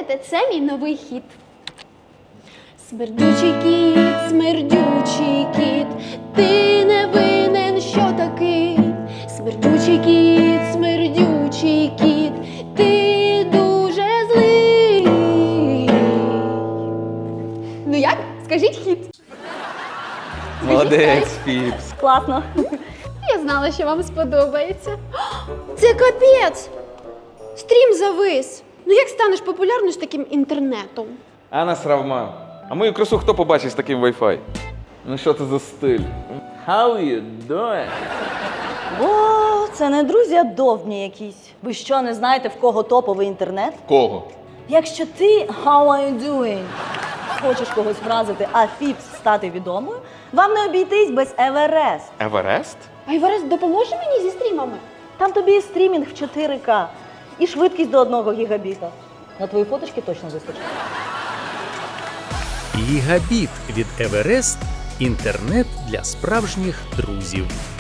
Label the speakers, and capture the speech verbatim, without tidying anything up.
Speaker 1: Слухайте, це мій новий хіт. Смердючий кіт, смердючий кіт, ти не винен, що такий. Смердючий кіт, смердючий кіт, ти дуже злий. Ну як? Скажіть хіт.
Speaker 2: Молодець, Фіпс.
Speaker 3: Класно.
Speaker 1: Я знала, що вам сподобається. Це капець! Стрім завис. Ну як станеш популярною з таким інтернетом?
Speaker 2: Анна Сравма. А мою красу хто побачить з таким Wi-Fi? Ну що це за стиль? How you doing?
Speaker 3: О, це не друзі, а довбні якісь. Ви що, не знаєте, в кого топовий інтернет?
Speaker 2: Кого?
Speaker 3: Якщо ти how are you doing? Хочеш когось вразити, а Фіпс стати відомою, вам не обійтись без Еверест.
Speaker 2: Еверест?
Speaker 1: А Іварес допоможе мені зі стрімами?
Speaker 3: Там тобі і стрімінг в чотири ка, і швидкість до одного гігабіта. На твої фоточки точно вистачить.
Speaker 4: Гігабіт від Еверест – інтернет для справжніх друзів.